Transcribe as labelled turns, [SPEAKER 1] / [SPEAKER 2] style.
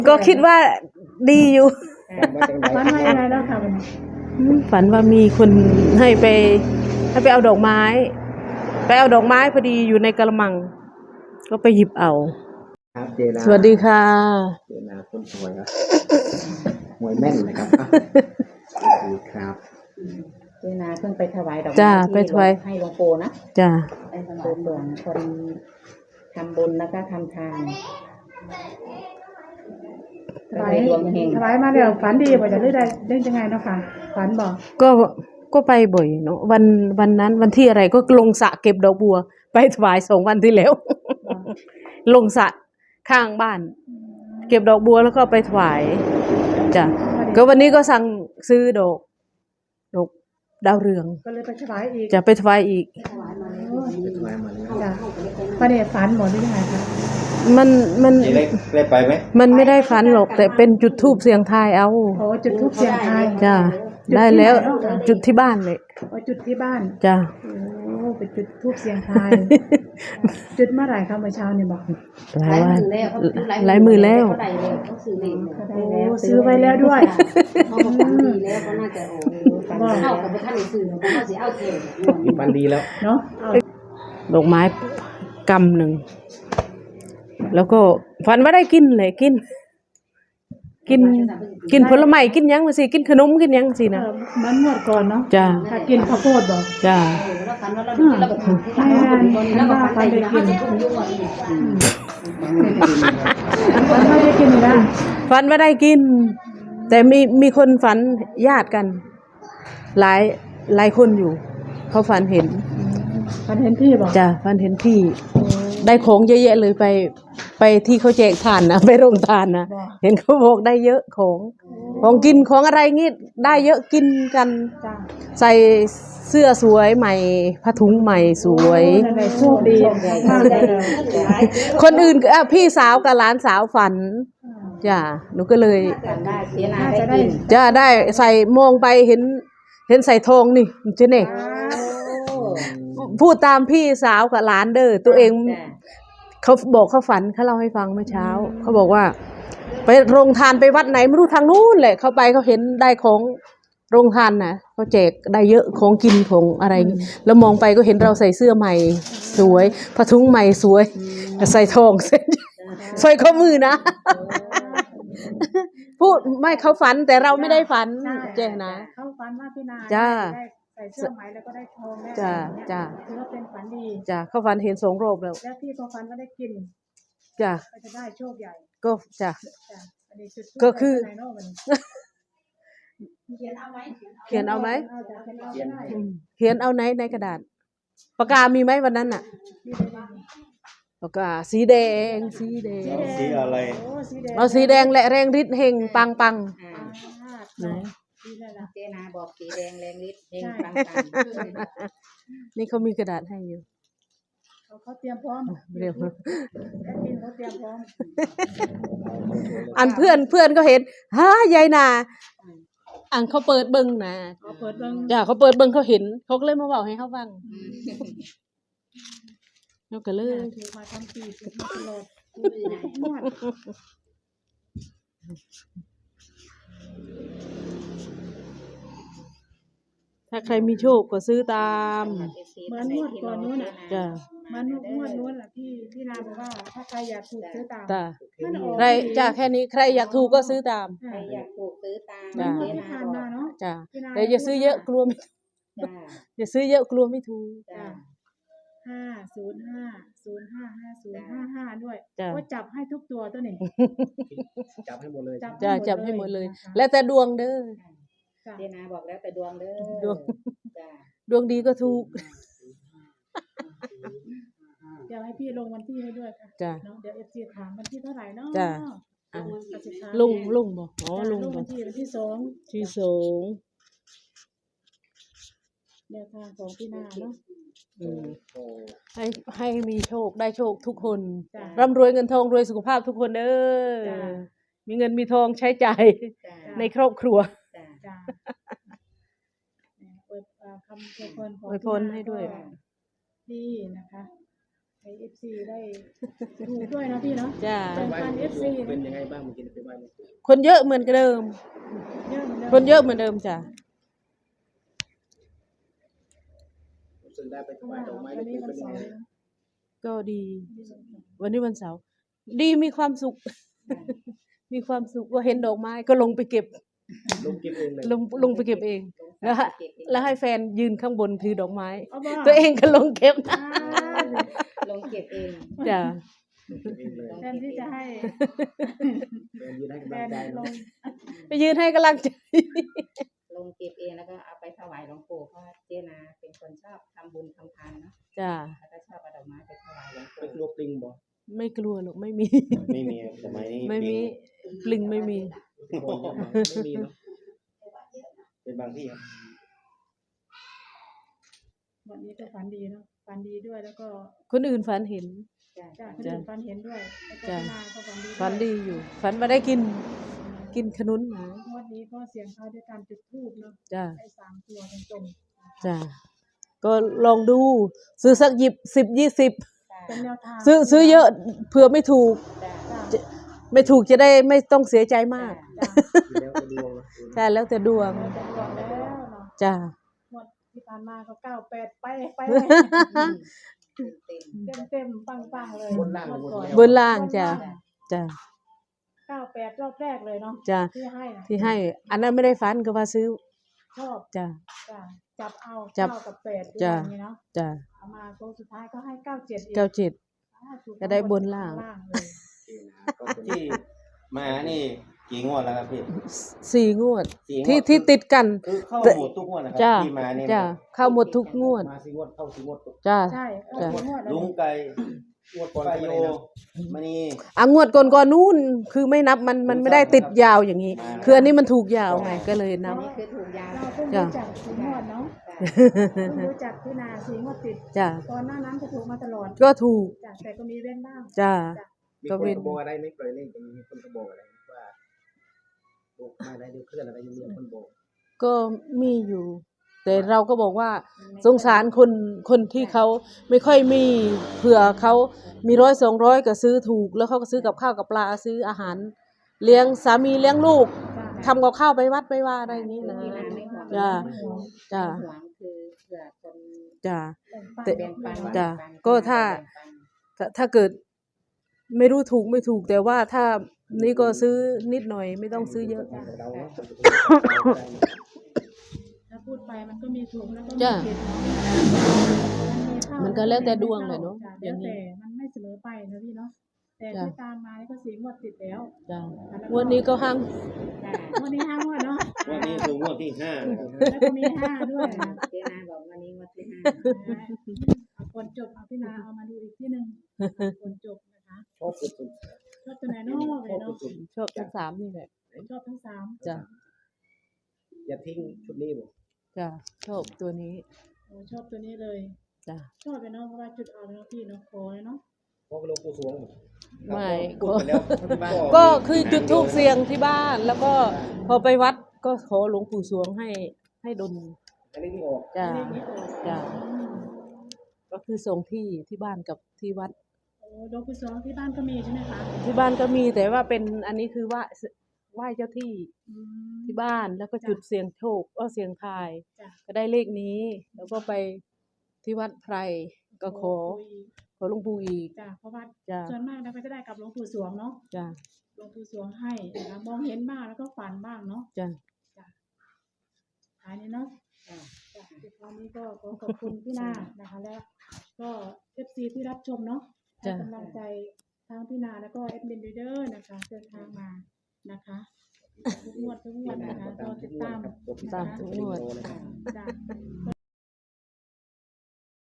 [SPEAKER 1] ก็คิดว่าดีอยู่
[SPEAKER 2] ฝันว่ายังไงแล้วค่ะมัน
[SPEAKER 1] ฝันว่ามีคนให้ไปเอาดอกไม้พอดีอยู่ในกระมัง ก็ไปหยิบเอา
[SPEAKER 3] ครับเจนา
[SPEAKER 1] สวัสดีค่ะ
[SPEAKER 3] เจนาคนสวยครับหวยแม่นนะครับสวัสดีครับ
[SPEAKER 2] เจนาเพิ่งไปถวายดอก
[SPEAKER 1] จ้า
[SPEAKER 2] ไม้
[SPEAKER 1] ไปถวาย
[SPEAKER 2] ให้หลวงปู่นะ
[SPEAKER 1] จ้า
[SPEAKER 2] ไปทำบุญหลวงคนทำบุญแล้วก็ทำทาน
[SPEAKER 4] ถวายถวายมาแล้วฝันดีบ่จะได้ยังไงเนาะค่ะฝันบอก
[SPEAKER 1] ก็ไปบ่อยเนาะวันนั้นวันที่อะไรก็ลงสระเก็บดอกบัว ไปถวาย2 วันที่แล้ว ลงสระข้างบ้าน เก็บดอกบัวแล้วก็ไปถวายจ้ะก็วันนี้ก็สั่งซื้อดอกดาวเรือง
[SPEAKER 4] ก็เลยไปถวายอีก
[SPEAKER 1] จะไปถวายอีก
[SPEAKER 3] ไปถวายมาแล้ว
[SPEAKER 4] จ้ะประเดี๋ยวฝันหมดหรือยังไงคะ
[SPEAKER 1] มัน
[SPEAKER 5] ได้ไปไหม
[SPEAKER 1] มันไม่ได้ฝันหรอกแต่เป็นจุดธูปเสียงทายเอา
[SPEAKER 4] โอ้จุดธูปเสียงทาย
[SPEAKER 1] จ้ะได้แล้วจุดที่บ้านเลย
[SPEAKER 4] โอ้จุดที่บ้าน
[SPEAKER 1] จ้ะ
[SPEAKER 4] โอ้เป็นจุดธูปเสียงทาย จุดเมื่อไหร่คะเมื่อเช้านี่บอก
[SPEAKER 1] หลายวันหลายมือแล้ว
[SPEAKER 2] เขาได้แล้วเขาซื้อเลข
[SPEAKER 4] ก็ได้แล้วซื้อไว้แล้วด้วย
[SPEAKER 6] เขาบอกฝันดีแล้วก็น่าจะเข้ากับท่านในสื่อเพราะเขาสิเอาเทน
[SPEAKER 3] มีปันดีแล้ว
[SPEAKER 4] เนาะ
[SPEAKER 1] ดอกไม้กำหนึ่งแล้วก็ฝันว่าได้กินเลยกินผลไม้กินหยังมาสิกินขนมกินหยังสินะ
[SPEAKER 4] มันหมดก่อนเนาะ
[SPEAKER 1] จ้า
[SPEAKER 4] ถ้ากินข้าวโพดบอก
[SPEAKER 1] จ้า
[SPEAKER 6] แล้วฝันว่าเราได้กินเราแบบที่เราแล้วก็ฝันได้กินเขาจะทุ่มยุ่งอะไร
[SPEAKER 4] มันไม่ได้กินอยู่แล้ว
[SPEAKER 1] ฝันว่าได้กิน แต่มีคนฝันญาติกัน หลายคนอยู่ เขาฝันเห็น
[SPEAKER 4] ฝันเห็นพี่บอก
[SPEAKER 1] จ้าฝันเห็นพี่ ได้ของเยอะแยะเลยไปที่เขาแจกทานนะไปโรงทานนะเห็นเขาบอกได้เยอะของกินของอะไรงี้ได้เยอะกินกัน
[SPEAKER 4] จ้า
[SPEAKER 1] ใส่เสื้อสวยใหม่ผ้าถุงใหม่สวย
[SPEAKER 4] นั่นแหละโชคดีมากเลย
[SPEAKER 1] คนอื่นก็พี่สาวกับหลานสาวฝันจ้ะหนูก็เลย
[SPEAKER 2] ได้เจนา
[SPEAKER 4] น่า
[SPEAKER 2] ได้
[SPEAKER 4] จะได้
[SPEAKER 2] กิน
[SPEAKER 1] จะได้ใส่มองไปเห็นใส่ทองนี่เจ๊เน่พูดตามพี่สาวกับหลานเด้อตัวเองเขาบอกเขาฝันเขาเล่าให้ฟังเมื่อเช้าเขาบอกว่า ไปโรงทานไปวัดไหนไม่รู้ทางนู้นแหละเขาไปเขาเห็นได้ของโรงทานนะเขาแจกได้เยอะของกินของอะไรอย่างงี้แล้วมองไปก็เห็นเราใส่เสื้อใหม่สวยผ้าถุงใหม่สวยใส่ทองเส้นสร้อยข้อมือนะพูดไม่เขาฝันแต่เราไม่ได้ฝันเจ๊นะ
[SPEAKER 4] เขาฝันว่าพี่นา
[SPEAKER 1] จ้า
[SPEAKER 4] ได้ใส่เสื้อไหมแล้วก็ได้ทองได้
[SPEAKER 1] จ้า
[SPEAKER 4] อะไร
[SPEAKER 1] จ้า
[SPEAKER 4] ถือว่าเป็นฝันดี
[SPEAKER 1] จ้าเขาฝันเห็น2 รอบแล้ว
[SPEAKER 4] แล้วพี่ก็ฝันว่าได้กิน
[SPEAKER 1] จ้า
[SPEAKER 4] ก็จะได้โชคใหญ่
[SPEAKER 1] ก็จ้า
[SPEAKER 4] จ้ะอันนี้จุดทูป
[SPEAKER 1] ก็คือ
[SPEAKER 4] ไหนเนาะมัน
[SPEAKER 1] เขียนเอาไหม
[SPEAKER 4] เอาแต่เป็นเอาไม่ได้
[SPEAKER 1] เขียนเอาในกระดาษปากกามีไหมวันนั้นน่ะปากกาสีแดง
[SPEAKER 5] สีอะไร
[SPEAKER 4] โอ้สีแดง
[SPEAKER 1] เอาสีแดงและแรงฤทธิ์เฮงปัง
[SPEAKER 2] อ่า
[SPEAKER 1] ไหน
[SPEAKER 4] สีแดงละ
[SPEAKER 2] เจนาบอกสีแดงแรงฤทธิ์เฮงปัง
[SPEAKER 1] นี่เขามีกระดาษให้อยู่
[SPEAKER 4] เขาเตรียมพร้อม
[SPEAKER 1] เรียกว่า
[SPEAKER 4] แอดมินเขาเตรียมพร้อม
[SPEAKER 1] อันเพื่อนก็เห็นฮ่ายายนาอันเขาเปิดเบิ้งนะ
[SPEAKER 4] เขาเปิดเบิ่ง
[SPEAKER 1] จ้าเขาเปิดเบิ้งเขาเห็นเขาก็เลยมาบอกให้เขาฟังเขาก็เลย
[SPEAKER 4] ถือมาทำปีถือมาตลอดงวด
[SPEAKER 1] ถ้าใครมีโชคก็ซื้อตาม
[SPEAKER 4] เหมือนงวดก่อนนู้นน่ะ
[SPEAKER 1] จ้า
[SPEAKER 4] มันงวดนู้นแหละพี่นาบอกว่าถ้าใครอยากถูกซื้อตาม
[SPEAKER 1] จ้า
[SPEAKER 4] มันออก
[SPEAKER 1] ใครจ้าแค่นี้ใครอยากถูกก็ซื้อตาม
[SPEAKER 2] ใครอยากปลูกซื้อตาม
[SPEAKER 1] จ้ะ
[SPEAKER 4] งว
[SPEAKER 2] เจ
[SPEAKER 4] ดที่
[SPEAKER 2] นา
[SPEAKER 4] ผ่าน
[SPEAKER 2] บอ
[SPEAKER 4] มาก เนาะ
[SPEAKER 1] จ้าแต่อย่าซื้อเยอะกลัวไม่
[SPEAKER 2] จ้า
[SPEAKER 1] อย่าซื้อเยอะกลัวไม่ถูก
[SPEAKER 2] จ้า
[SPEAKER 4] 505050555ด้วย
[SPEAKER 1] จ้ะ
[SPEAKER 4] ก็จับให้ทุกตัวตัวนี้
[SPEAKER 3] จับให้หมดเลย
[SPEAKER 1] จับให้หมดเลย
[SPEAKER 4] นะคะ
[SPEAKER 1] แล้วแต่ดวงเด้อ
[SPEAKER 4] จ้ะ
[SPEAKER 2] เจนาบอกแล้วแต่ดวงเด้อ
[SPEAKER 1] ดวง
[SPEAKER 2] จ้า
[SPEAKER 1] ดวงดีก็ถูก
[SPEAKER 4] เดี๋ยวให้พี่ลงวันที่ให้ด้วยค่ะ
[SPEAKER 1] จ้ะ
[SPEAKER 4] เนาะเดี๋ยว FC ถามวันที่เท่าไหร่เนาะ
[SPEAKER 1] จ้ะ อ่ะ
[SPEAKER 4] ก็จะถาม
[SPEAKER 1] ลุงบอกอ๋อ
[SPEAKER 4] จ้ะ
[SPEAKER 1] ลุง
[SPEAKER 4] ลง
[SPEAKER 1] บอ
[SPEAKER 4] วั
[SPEAKER 1] ก
[SPEAKER 4] นที่สอง
[SPEAKER 1] ที่สอง
[SPEAKER 4] แนวทางของพี่นาเนาะ
[SPEAKER 1] อืม
[SPEAKER 3] โอ้
[SPEAKER 1] ให้มีโชคได้โชคทุกคน
[SPEAKER 4] จ้ะ
[SPEAKER 1] ร่ำรวยเงินทองรวยสุขภาพทุกคนเด้อ
[SPEAKER 4] จ้ะ
[SPEAKER 1] มีเงินมีทองใช้จ่าย
[SPEAKER 2] จ้า
[SPEAKER 1] ในครอบครัว
[SPEAKER 2] จ้า
[SPEAKER 4] จ้ะเนี่ยอวยคำอวยพรของ
[SPEAKER 1] อวยพรให้ด้วย
[SPEAKER 4] พี่นาก็ดีนะคะให้ FC ได้ถูกด้วยเนาะพี่เนาะ
[SPEAKER 1] จ้า
[SPEAKER 4] แบ่งปัน FC
[SPEAKER 3] เป็นยังไงบ้างเมื่อกี้ไปไหว้หลวงปู่
[SPEAKER 1] คนเยอะเหมือนเดิม
[SPEAKER 4] เยอะเหมือนเดิม
[SPEAKER 1] คนเยอะเหมือนเดิมจ้ะ
[SPEAKER 3] รู้สึกได้ไปถ
[SPEAKER 4] เพราะ
[SPEAKER 3] วา
[SPEAKER 4] ว่าย
[SPEAKER 3] ดอกไม้
[SPEAKER 4] วัน
[SPEAKER 3] เล็
[SPEAKER 4] นี้
[SPEAKER 3] กๆ
[SPEAKER 4] วั
[SPEAKER 3] เป็น นยัง
[SPEAKER 4] เสา
[SPEAKER 3] ไง
[SPEAKER 4] ร์นะ
[SPEAKER 1] ก็ดี วันนี้วันเสาร์ดีมีความสุข มีความสุขก็เห็นดอกไม้ก็ลงไปเก็บ
[SPEAKER 3] ลงเก็บเองเลย
[SPEAKER 1] ลงไปเก็บเอง แล้วให้แฟนยืนข้างบนถือดอกไม้
[SPEAKER 4] เอาบ่
[SPEAKER 1] ตัวเองก็ลงเก็บ
[SPEAKER 4] อ่า
[SPEAKER 2] ลงเก็บเอง
[SPEAKER 1] จ้ะ
[SPEAKER 3] ลงเก็บเองเลย
[SPEAKER 4] แทนที่จะให้
[SPEAKER 3] แฟนยืนให้
[SPEAKER 4] แฟ
[SPEAKER 3] กำลัง
[SPEAKER 4] น
[SPEAKER 3] ใจ
[SPEAKER 4] ล
[SPEAKER 3] เนาะ
[SPEAKER 4] ง
[SPEAKER 1] ไปยืนให้กำลังใจ
[SPEAKER 2] ลงเก็บเองแล้วก็เอาไปถวายหลวงปู่เพราะว่าเจนาเป็นคนชอบทำบุญทำทานเนาะ
[SPEAKER 1] จ้ะ
[SPEAKER 2] แล้วก็ชอบเอาดอกไม้ไปถวายหลวง
[SPEAKER 3] ไป
[SPEAKER 2] ปู่
[SPEAKER 3] กลัวปลิงบ่
[SPEAKER 1] ไม่กลัวหรอกไม่มี
[SPEAKER 5] ไม่มีสมัยนี้
[SPEAKER 1] ไม่มีปลิงไม่มี
[SPEAKER 3] ที่โคนเยอะไหมไม่มีเนาะ
[SPEAKER 5] เป็นบางที่ครับ
[SPEAKER 4] วันนี้ก็ฝันดีเนาะฝันดีด้วยแล้วก็
[SPEAKER 1] คนอื่นฝันเห็น
[SPEAKER 2] จ้ะ
[SPEAKER 4] จ้าคนอื่นฝันเห็นด้วยแล้วก็
[SPEAKER 1] จ้ะ
[SPEAKER 4] พี่นาก็ฝันดีด้วย
[SPEAKER 1] ฝันดีอยู่ ฝันมาได้กินขนุนหนะ
[SPEAKER 4] งวดนี้ก็เสียงทายด้วยการจุดธูปเนาะ
[SPEAKER 1] จ้ะ
[SPEAKER 4] ได้3 ตัวตรงๆ
[SPEAKER 1] จ้ะก็ลองดู ซื้อสัก10-20
[SPEAKER 4] เป็นแนวทาง
[SPEAKER 1] ซื้อเยอะเผื่อไม่ถูก
[SPEAKER 2] จ้ะ
[SPEAKER 1] ไม่ถูกจะได้ไม่ต้องเสียใจมาก
[SPEAKER 4] จ้ะ
[SPEAKER 3] อยู่แล้วก็ดวงนะ
[SPEAKER 1] ใช่แล้วแต่ดวง
[SPEAKER 4] เราจะบอกแล้วเนาะ
[SPEAKER 1] จ้ะ
[SPEAKER 4] งวดที่ผ่านมาก็98ไป
[SPEAKER 2] เต็ม
[SPEAKER 4] เต็มปังๆเลย
[SPEAKER 3] บนล่างหรือ
[SPEAKER 4] งวดก่อน
[SPEAKER 1] บนล่างจ้ะ จ้ะ
[SPEAKER 4] 98รอบแรกเลยเนาะ
[SPEAKER 1] จ้ะ
[SPEAKER 4] ที่ให้นะ
[SPEAKER 1] ที่ให้ อันนั้นไม่ได้ฝันก็ว่าซื้อ
[SPEAKER 4] ชอบ
[SPEAKER 1] จ้ะ
[SPEAKER 4] จ้ะจับเอา
[SPEAKER 1] จับ
[SPEAKER 4] 9กับ8ด้วย
[SPEAKER 1] จ้ะ
[SPEAKER 4] กันนี่เนาะ
[SPEAKER 1] จ้ะ
[SPEAKER 4] เอามาโค้งสุดท้ายก็ให้97อีก
[SPEAKER 1] 97
[SPEAKER 4] ถูก
[SPEAKER 1] จะได้บนล่าง
[SPEAKER 4] เลย
[SPEAKER 3] ก็เป็น
[SPEAKER 5] ที่มานี่กี่งวดแล้วครับพี่
[SPEAKER 1] 4 งวด
[SPEAKER 5] สี่งวด
[SPEAKER 1] ที่ติดกัน
[SPEAKER 5] คือเข้าหมดทุกงวดนะครั
[SPEAKER 1] จ้ะ
[SPEAKER 5] ที่มานี่
[SPEAKER 1] จ้ะเข้าหมดทุกงวด
[SPEAKER 3] มาสี่งวดเข้าสี่งวด
[SPEAKER 1] จ้ะ
[SPEAKER 4] ใช่
[SPEAKER 1] จ้ะ
[SPEAKER 4] เอางวดแล้ว
[SPEAKER 5] ลุงไก่
[SPEAKER 3] งวดก่อน
[SPEAKER 5] ปา
[SPEAKER 3] ก็
[SPEAKER 5] โย
[SPEAKER 3] ไม่ได้นะ
[SPEAKER 5] มณี
[SPEAKER 1] งวดก่อนนู้นคือไม่นับมันไม่ได้ติดยาวอย่างนี้ คืออันนี้มันถูกยาวไงก็เลยนับ
[SPEAKER 2] นี่คือถูกยาว
[SPEAKER 4] เราเพิ่ง
[SPEAKER 1] จ้ะ
[SPEAKER 4] รู้จักสีงวดเนาะ
[SPEAKER 2] จ้ะ
[SPEAKER 4] เพิ่งรู้จักพี่นาสีงวดติด
[SPEAKER 1] จ้ะ
[SPEAKER 4] ก่อนหน้านั้นก็ถูกมาตลอด
[SPEAKER 1] ก็ถูก
[SPEAKER 4] จ้ะแต่ก็มีเว้นบ้าง
[SPEAKER 1] จ้ะ
[SPEAKER 3] มี
[SPEAKER 1] ก็
[SPEAKER 3] คน
[SPEAKER 1] เว้น
[SPEAKER 3] กระบอกอะไรไม่ปล่อยเล่นกันมีคนกระบอกอะไรว่าบอกมาได้เดี๋ยวเคลื่อนอะไรยังมีคนบอก
[SPEAKER 1] ก็มีอยู่ แต่เราก็บอกว่าสงสารคนที่เขาไม่ค่อยมีเผื่อเขามี100-200ก็ซื้อถูก แล้วเขาก็ซื้อกับข้าวกับปลาซื้ออาหาร เลี้ยงสามีเลี้ยงลูกทำกับข้าวไปวัดไปว่าอะไรอย่างนี้นะ
[SPEAKER 2] ที่นาไม่ห่วง
[SPEAKER 1] จ้ะ
[SPEAKER 2] ไม่ห่วง
[SPEAKER 1] จ้ะ
[SPEAKER 2] ห่วงคือเผื่อคน
[SPEAKER 1] จ้ะ
[SPEAKER 4] แต่
[SPEAKER 2] แบ่งปัน
[SPEAKER 1] จ้ะ
[SPEAKER 2] แบ่งปัน
[SPEAKER 1] ก็ถ้า
[SPEAKER 2] แบ่งปัน
[SPEAKER 1] ถ้าเกิดไม่รู้ถูกไม่ถูก แต่ว่าถ้านี่ก็ซื้อนิดหน่อยไม่ต้องซื้อเยอะ
[SPEAKER 3] เราเนาะ
[SPEAKER 4] ถ้าพูดไปมันก็มีถูกแล้วก็มี
[SPEAKER 1] จ้ะ
[SPEAKER 4] ผิดเนาะ
[SPEAKER 1] มันก็แล้วแต่ดวงเลยเนาะ
[SPEAKER 4] จ้
[SPEAKER 1] อย่างนี้
[SPEAKER 4] แล้วแต่มันไม่เสมอไปนะพี่เนาะแต่
[SPEAKER 1] จ้ะ
[SPEAKER 4] ที่ตามมานี่ก็สีงวดติดแล้ว
[SPEAKER 1] จ้ะงวดนี้ก็ห้าง
[SPEAKER 2] จ้ะ
[SPEAKER 4] งวดนี้5งวดเนาะ
[SPEAKER 5] วันนี้คืองวดที่5นะครับ
[SPEAKER 4] แล้วก็มี5ด้วยนะ
[SPEAKER 2] เจนาบอกวันนี้วันที่ห้า
[SPEAKER 4] เอาก่อนจบเอาพี่นาเอามาดูอีกที่หนึ่งก่อนจบนะคะ
[SPEAKER 3] ชอบสุด
[SPEAKER 4] ชอบตัวไหนเนาะ
[SPEAKER 3] ๆ
[SPEAKER 4] เล
[SPEAKER 3] ชอย บ
[SPEAKER 4] เนาะ
[SPEAKER 3] สุด
[SPEAKER 1] ชอบทั้งสามนี่แหละ
[SPEAKER 4] ชอบทั้งสาม
[SPEAKER 1] จ้ะ
[SPEAKER 3] ๆอย่าทิ้งชุดนี้บอก
[SPEAKER 1] จ้ะชอบตัวนี้
[SPEAKER 4] โอ้ชอบตัวนี้เลย
[SPEAKER 1] จ้ะ
[SPEAKER 4] ชอบไปเนาะเพราะว่าจุดเอาเนาะพี่เนาะขอเลยเนาะ
[SPEAKER 3] เพราะหลวงปู่สวงบอก
[SPEAKER 1] ไม่
[SPEAKER 5] พูดไปแล้ว
[SPEAKER 1] ก็คือจุดธูปเสียงที่บ้าน แล้วก็พอไปวัดก็ขอหลวงปู่สวงให้ดล
[SPEAKER 3] อันนี้ที่ออก
[SPEAKER 1] จ้ะ
[SPEAKER 4] เลขนี้ออก
[SPEAKER 1] จ้ะก็คือส่งที่บ้านกับที่วัด
[SPEAKER 4] โอ้ดอกกุศลที่บ้านก็มีใช่ไหมคะ
[SPEAKER 1] ที่บ้านก็มีแต่ว่าเป็นอันนี้คือไหว้เจ้าที่
[SPEAKER 4] อืม
[SPEAKER 1] ที่บ้านแล้วก็จุดเสียงโชคก็เสียงทาย
[SPEAKER 4] จ้ะ
[SPEAKER 1] ก็ได้เลขนี้ แล้วก็ไปที่วัดไพรก็ขอหลวงปู่อีก
[SPEAKER 4] จ้ะเพราะว่า
[SPEAKER 1] จ้ะ
[SPEAKER 4] ส่วนมากเราก็จะได้กับหลวงปู่สวงเนาะ
[SPEAKER 1] จ้ะ
[SPEAKER 4] หลวงปู่สวงให้นะคะมองเห็นบ้างแล้วก็ฝันบ้างเนาะ
[SPEAKER 1] จ้ะ
[SPEAKER 4] อันนี้เนาะ
[SPEAKER 2] จ้ะ
[SPEAKER 4] จ้ะในคราวนี้ก็ขอขอบคุณพี่นานะคะ แล้วก็ FC ที่รับชมเนาะให้กำลังใจทั้งพี่นาแล้วก็แอดมินเดอร์นะคะเดินทางมานะคะทุกงวดนะคะเราติดตาม
[SPEAKER 1] ตามทุกงวด
[SPEAKER 4] จ้ะก็